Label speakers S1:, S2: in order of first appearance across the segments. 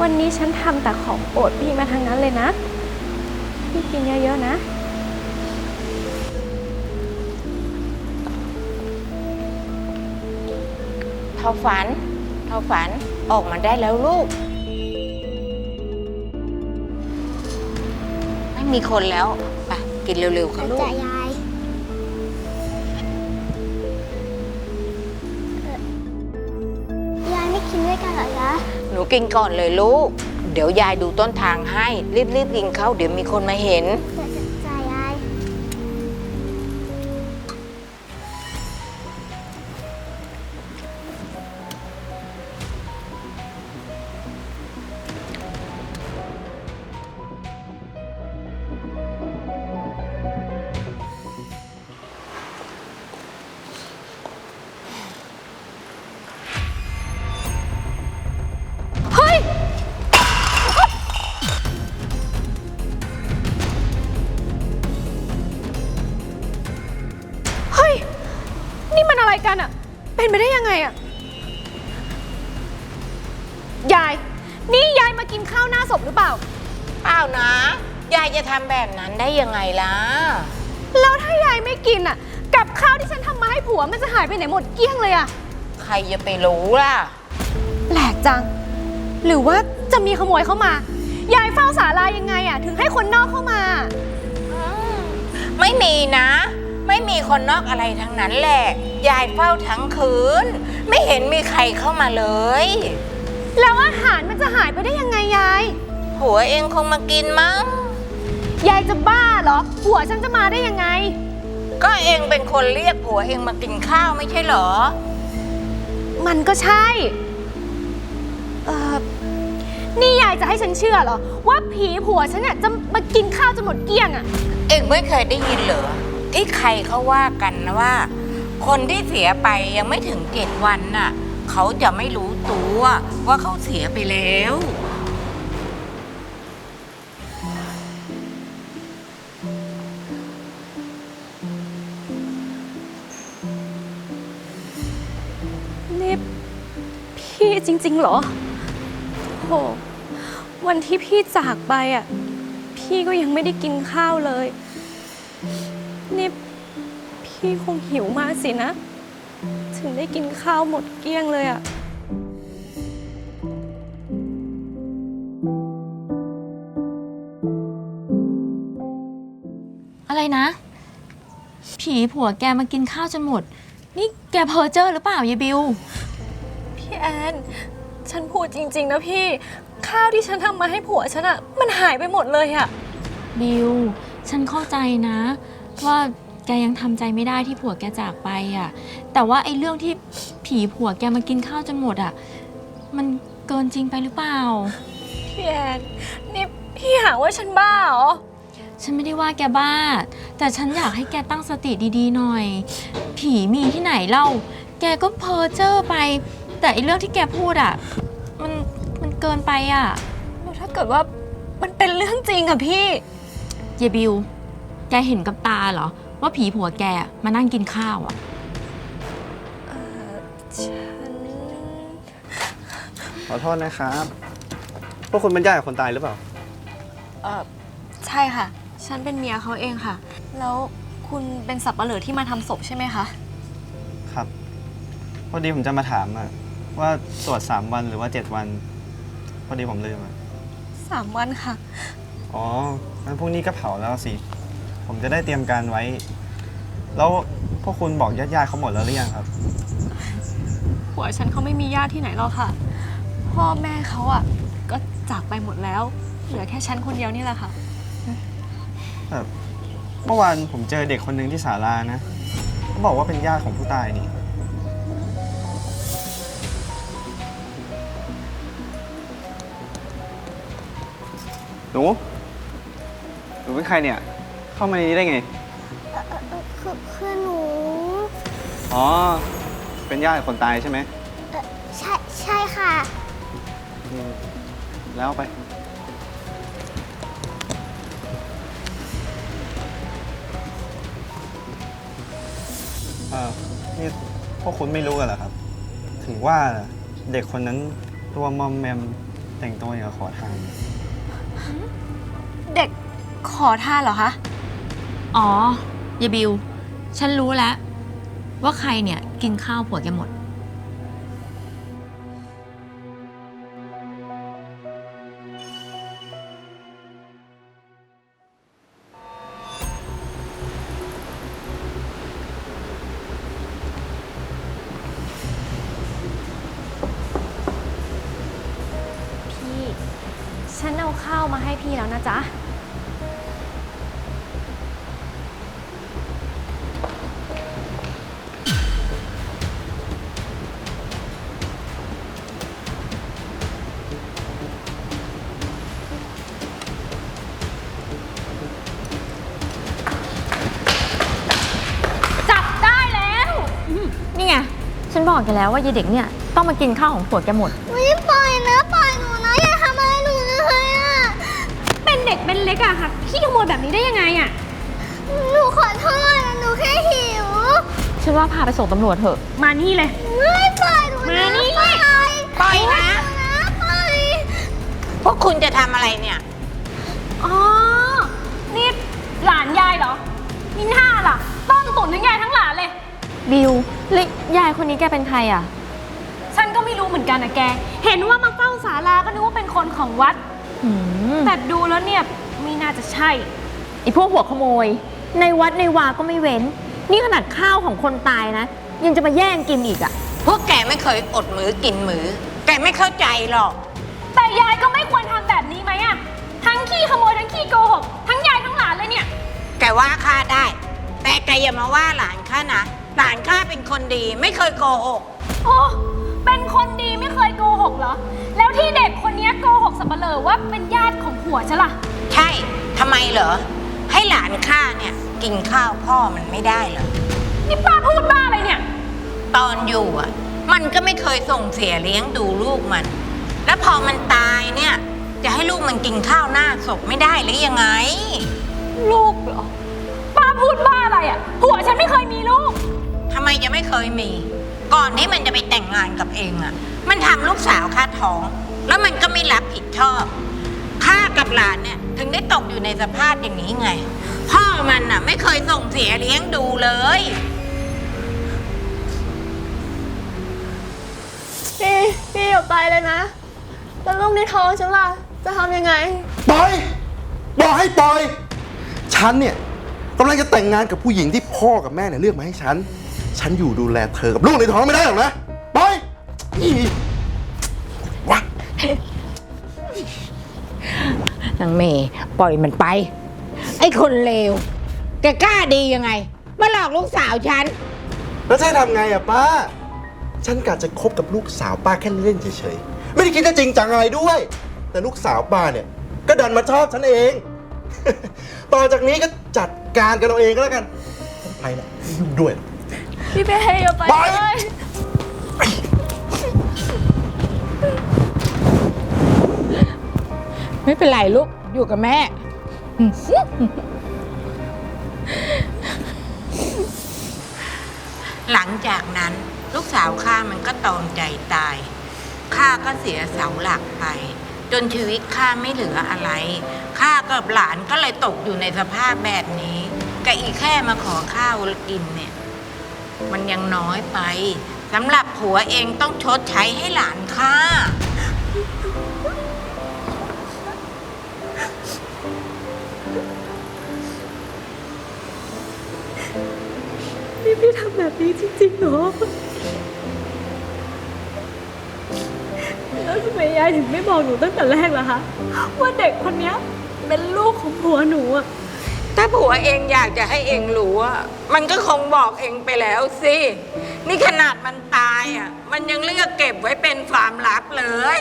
S1: วันนี้ฉันทำแต่ของโปรดพี่มาทั้งนั้นเลยนะ พี่กินเยอะๆนะ
S2: เท่าฝันออกมาได้แล้วลูกไม่มีคนแล้วไปกินเร็วๆค่ะลูก
S3: จะยายยายไม่กินด้วยกันเหรอจ๊ะ
S2: หนูกินก่อนเลยลูกเดี๋ยวยายดูต้นทางให้รีบกินเข้าเดี๋ยวมีคนมาเห็น
S3: จะยาย
S1: เฮ้ย เฮ้ย นี่มันอะไรกันอะเป็นไปได้ยังไงอะยาย นี่ยายมากินข้าวหน้าศพหรือเปล่า
S2: เปล่านะยายจะทำแบบนั้นได้ยังไงล่ะ
S1: แล้วถ้ายายไม่กินอะกับข้าวที่ฉันทำมาให้ผัวมันจะหายไปไหนหมดเกลี้ยงเลยอะ
S2: ใครจะไปรู้ล่ะ
S1: แปลกจัง หรือว่าจะมีขโมยเข้ามา ยายเฝ้าศาลายังไงอะถึงให้คนนอกเข้ามา
S2: ไม่มีนะ ไม่มีคนนอกอะไรทั้งนั้นแหละยายเฝ้าทั้งคืนไม่เห็นมีใครเข้ามาเลย
S1: แล้วอาหารมันจะหายไปได้ยังไงยาย
S2: ผัวเองคงมากินมั้ง
S1: ยายจะบ้าเหรอ ผัวฉันจะมาได้ยังไง
S2: ก็เองเป็นคนเรียกผัวเองมากินข้าวไม่ใช่เหรอ
S1: มันก็ใช่ นี่ยายจะให้ฉันเชื่อเหรอ ว่าผีผัวฉันเนี่ยจะมากินข้าวจนหมดเกลี้ยงอะ
S2: เองไม่เคยได้ยินเหรอที่ใครเขาว่ากันนะว่า คนที่เสียไปยังไม่ถึง7 วันน่ะเขาจะไม่รู้ตัวว่าเขาเสียไปแล้ว
S1: นี่พี่จริงๆเหรอโหวันที่พี่จากไปอ่ะ พี่ก็ยังไม่ได้กินข้าวเลย นี่พี่คงหิวมากสินะ ถึงได้กินข้าวหมดเกลี้ยงเลยอ่ะ
S4: อะไรนะ ผีผัวแกมากินข้าวจนหมด นี่แกเพ้อเจ้อหรือเปล่ายายบิว
S1: พี่แอน ฉันพูดจริงๆนะพี่ ข้าวที่ฉันทำมาให้ผัวฉันอะมันหายไปหมดเลยอะ
S4: บิว ฉันเข้าใจนะ ว่าแกยังทำใจไม่ได้ที่ผัวแกจากไปอ่ะ แต่ว่าไอ้เรื่องที่ผีผัวแกมากินข้าวจนหมดอ่ะ มันเกินจริงไปหรือเปล่า
S1: พี่แอน นี่พี่หาว่าฉันบ้าเหรอ
S4: ฉันไม่ได้ว่าแกบ้า แต่ฉันอยากให้แกตั้งสติดีๆหน่อย ผีมีที่ไหนเล่า แกก็เพ้อเจ้อไป แต่ไอ้เรื่องที่แกพูดอ่ะ มันเกินไปอ่ะ
S1: แล้วถ้าเกิดว่ามันเป็นเรื่องจริงอะพี่
S4: เยบิว แกเห็นกับตาเหรอ ว่าผีผัวแกมานั่งกินข้าวอ่ะ
S1: ฉัน
S5: ขอโทษนะครับ พวกคุณเป็นญาติกับคนตายหรือเปล่า
S1: ใช่ค่ะ ฉันเป็นเมียเขาเองค่ะ แล้วคุณเป็นสับปะเหร่อที่มาทำศพใช่ไหมคะ
S5: ครับ พอดีผมจะมาถามว่าตรวจ3 วันหรือว่า7 วัน พอดีผมลืม
S1: 3 วันค่ะ
S5: อ๋องั้นพรุ่งนี้ก็เผาแล้วสิ ผมจะได้เตรียมการไว้ แล้วพวกคุณบอกญาติๆเขาหมดแล้วหรือยังครับ
S1: ผัวฉันเขาไม่มีญาติที่ไหนหรอกค่ะ พ่อแม่เขาอะก็จากไปหมดแล้ว เหลือแค่ฉันคนเดียวนี่แหละค่ะ
S5: เมื่อวานผมเจอเด็กคนหนึ่งที่ศาลานะเขาบอกว่าเป็นญาติของผู้ตายนี่ หนูเป็นใครเนี่ย เข้ามาในนี้ได้ไง
S3: คือหนู
S5: อ๋อ เป็นญาติคนตายใช่ไหม
S3: ใช่ค่ะ
S5: แล้วไป นี่พวกคุณไม่รู้กันเหรอครับ ถึงว่าเด็กคนนั้นตัวมอมแมมแต่งตัวอย่างกับขอทาน
S1: เด็กขอทานเหรอคะ
S4: อ๋อยายบิว ฉันรู้แล้ว ว่าใครเนี่ยกินข้าวผัวแกหมด
S1: พี่ ฉันเอาข้าวมาให้พี่แล้วนะจ๊ะ
S4: จับได้แล้วนี่ไง ฉันบอกแกแล้วว่ายายเด็กเนี่ยต้องมากินข้าวของผัวแกหมด
S3: ไม่ปล่อยนะปล่อยหนูนะอย่าทำอะไรหนูเลยอ่ะ
S1: เป็นเด็กเป็นเล็กอะค่ะพี่ขโมยแบบนี้ได้ยังไงอะ
S3: หนูขอโทษนะหนูแค่หิว
S4: ฉันว่าพาไปส่งตำรวจเถอะ
S1: มานี่เลย
S3: ไม่ปล่อยหนู
S1: มา
S3: นะ
S1: นี่
S3: ปล่อย
S2: ปล่อยนะ
S3: ปล่อย
S2: พวกคุณจะทำอะไรเนี่ย
S1: อ๋อ นี่หลานยายเหรอมีหน้าล่ะ ต้นตุ่นทั้งยายทั้งหลานเลย
S4: บิวแล้วยายคนนี้แกเป็นใครอ่ะ
S1: ฉันก็ไม่รู้เหมือนกันนะแก เห็นว่ามาเฝ้าศาลาก็นึกว่าเป็นคนของวัด
S4: หืม
S1: แต่ดูแล้วเนี่ยไม่น่าจะใช่
S4: ไอพวกหัวขโมย ในวัดในวาก็ไม่เว้น นี่ขนาดข้าวของคนตายนะ ยังจะมาแย่งกินอีกอ่ะ
S2: พวกแกไม่เคยอดมือกินมือ แกไม่เข้าใจหรอก
S1: แต่ยายก็ไม่ควรทำแบบนี้ไหมอะทั้งขี้ขโมยทั้งขี้โกหกทั้งยายทั้งหลานเลยเนี่ย
S2: แกว่าข้าได้ แต่แกอย่ามาว่าหลานข้านะ หลานข้าเป็นคนดีไม่เคยโกหก
S1: โอ้ เป็นคนดีไม่เคยโกหกเหรอ แล้วที่เด็กคนนี้โกหกสับเปลอว่าเป็นญาติของผัวฉันล่ะ
S2: ใช่ทำไมเหรอ ให้หลานข้าเนี่ยกินข้าวพ่อมันไม่ได้เหรอ
S1: นี่ป้าพูดบ้าอะไรเนี่ย
S2: ตอนอยู่อ่ะ มันก็ไม่เคยส่งเสียเลี้ยงดูลูกมัน แล้วพอมันตายเนี่ย จะให้ลูกมันกินข้าวหน้าศพไม่ได้หรือยังไง
S1: ลูกเหรอ ป้าพูดบ้าอะไรอะผัวฉันไม่เคยมีลูก
S2: ทำไมจะไม่เคยมี ก่อนที่มันจะไปแต่งงานกับเองอ่ะ มันทำลูกสาวข้าท้อง แล้วมันก็ไม่รับผิดชอบข้ากับหลานเนี่ยถึงได้ตกอยู่ในสภาพอย่างนี้ไง พ่อมันอ่ะไม่เคยส่งเสียเลี้ยงดูเลย
S6: พี่อย่าไปเลยนะ แล้วลูกในท้องฉันล่ะ จะทำยังไง
S7: ปล่อยบอกให้ปล่อย ฉันเนี่ยกำลังจะแต่งงานกับผู้หญิงที่พ่อกับแม่เนี่ยเลือกมาให้ฉัน ฉันอยู่ดูแลเธอกับลูกในท้องไม่ได้หรอกนะ ปล่อยอีวะ
S2: นางเมย์ปล่อยมันไป ไอ้คนเลว แกกล้าดียังไง มาหลอกลูกสาวฉัน
S7: แล้วจะให้ทำไงอะป้า ฉันกะจะคบกับลูกสาวป้าแค่เล่นเฉยๆ ไม่ได้คิดจะจริงจังอะไรด้วย แต่ลูกสาวป้าเนี่ยก็ดันมาชอบฉันเอง ต่อจากนี้ก็จัดการกันเอาเองก็แล้วกันฉันไปละไม่ยุ่งด้วย
S6: พี่เป้อย่าไป
S7: ไป
S6: เลย
S2: ไม่เป็นไรลูก อยู่กับแม่ หลังจากนั้นลูกสาวข้ามันก็ตอมใจตายข้าก็เสียเสาหลักไป จนชีวิตข้าไม่เหลืออะไรข้ากับหลานก็เลยตกอยู่ในสภาพแบบนี้กับอีกแค่มาขอข้าวกินเนี่ย มันยังน้อยไปสำหรับผัวเองต้องชดใช้ให้หลานข้า
S1: พี่ทำแบบนี้จริงๆเหรอ แล้วทำไมยายถึงไม่บอกหนูตั้งแต่แรกล่ะคะ ว่าเด็กคนนี้เป็นลูกของผัวหนูอะ
S2: ถ้าผัวเองอยากจะให้เองรู้อะมันก็คงบอกเองไปแล้วสิ นี่ขนาดมันตายอะมันยังเลือกเก็บไว้เป็นความลับเลย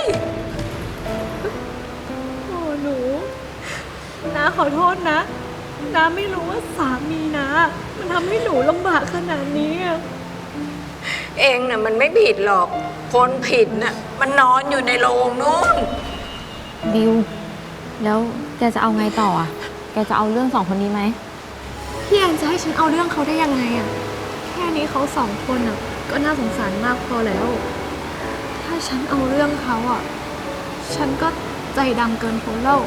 S1: โอ้หนูน้าขอโทษนะน้าไม่รู้ว่าสามีนะมันทำให้หนูลำบากขนาดนี้อะ
S2: เองน่ะมันไม่ผิดหรอก คนผิดน่ะมันนอนอยู่ในโรงนู่น
S4: บิว แล้วแกจะเอาไงต่ออ่ะ แกจะเอาเรื่องสองคนนี้ไหม
S1: พี่แอนจะให้ฉันเอาเรื่องเขาได้ยังไงอะแค่นี้เขาสองคนอะก็น่าสงสารมากพอแล้ว ถ้าฉันเอาเรื่องเขาอะฉันก็ใจดำเกินพ้นแล้ว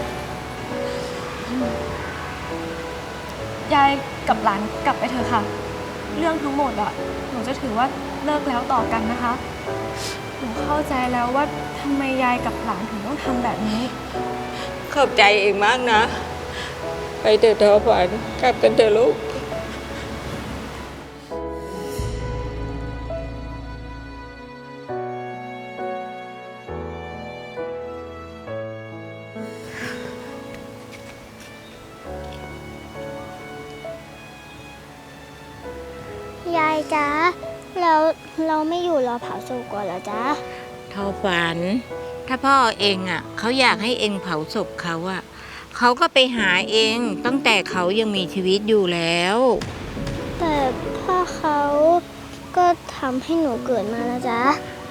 S1: ยายกับหลานกลับไปเถอะค่ะ เรื่องทั้งหมดอะหนูจะถือว่าเลิกแล้วต่อกันนะคะ หนูเข้าใจแล้วว่าทำไมยายกับหลานถึงต้องทำแบบนี้
S2: ขอบใจเองมากนะ ไปเถอะทอฝันกลับกันเถอะลูก
S3: ยายจ๊ะแล้วเราไม่อยู่รอเผาศพก่อนเหรอจ๊ะ
S2: ทอฝัน ถ้าพ่อเองอ่ะเขาอยากให้เองเผาศพเขาอ่ะเขาก็ไปหาเองตั้งแต่เขายังมีชีวิตอยู่แล้ว
S3: แต่พ่อเขาก็ทำให้หนูเกิดมาแล้วจ๊ะ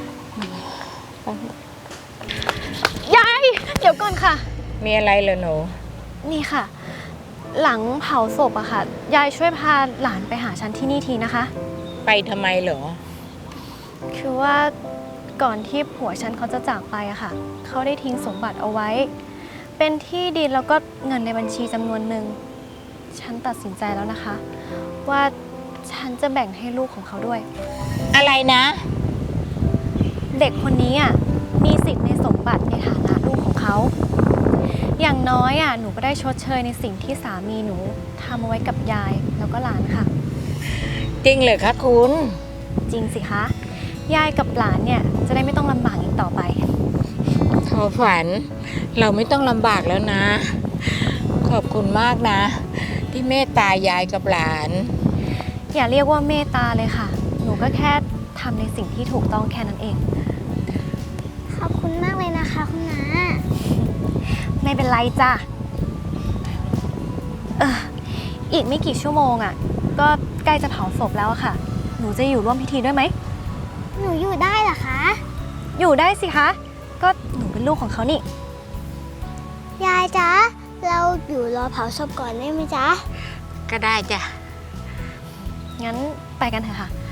S1: ยาย เดี๋ยวก่อนค่ะ
S2: มีอะไรเหรอหนู
S1: นี่ค่ะ หลังเผาศพอะค่ะ ยายช่วยพาหลานไปหาฉันที่นี่ทีนะคะ
S2: ไปทำไมเหรอ
S1: คือว่าก่อนที่ผัวฉันเขาจะจากไปอะค่ะ เขาได้ทิ้งสมบัติเอาไว้ เป็นที่ดินแล้วก็เงินในบัญชีจำนวนหนึ่ง ฉันตัดสินใจแล้วนะคะ ว่าฉันจะแบ่งให้ลูกของเขาด้วย
S2: อะไรนะ
S1: เด็กคนนี้อะมีสิทธิ์ในสมบัติในฐานะลูกของเขา อย่างน้อยอะหนูก็ได้ชดเชยในสิ่งที่สามีหนูทำเอาไว้กับยายแล้วก็หลานค่ะ
S2: จริงเหรอคะคุณ
S1: จริงสิคะ ยายกับหลานเนี่ยจะได้ไม่ต้องลำบากอีกต่อไป
S2: ทอฝัน เราไม่ต้องลำบากแล้วนะ ขอบคุณมากนะ ที่เมตตายายกับหลาน
S1: อย่าเรียกว่าเมตตาเลยค่ะ หนูก็แค่ทำในสิ่งที่ถูกต้องแค่นั้นเอง
S3: ขอบคุณมากเลยนะคะคุณน้า
S1: ไม่เป็นไรจ้ะอีกไม่กี่ชั่วโมงอ่ะ ก็ใกล้จะเผาศพแล้วอะค่ะ หนูจะอยู่ร่วมพิธีด้วยไหม
S3: หนูอยู่ได้เหรอคะ
S1: อยู่ได้สิคะ ก็หนูเป็นลูกของเขานี่
S3: ยายจ๊ะเราอยู่รอเผาศพก่อนได้ไหมจ๊ะ
S2: ก็ได้จ้ะ
S1: งั้นไปกันเถอะค่ะ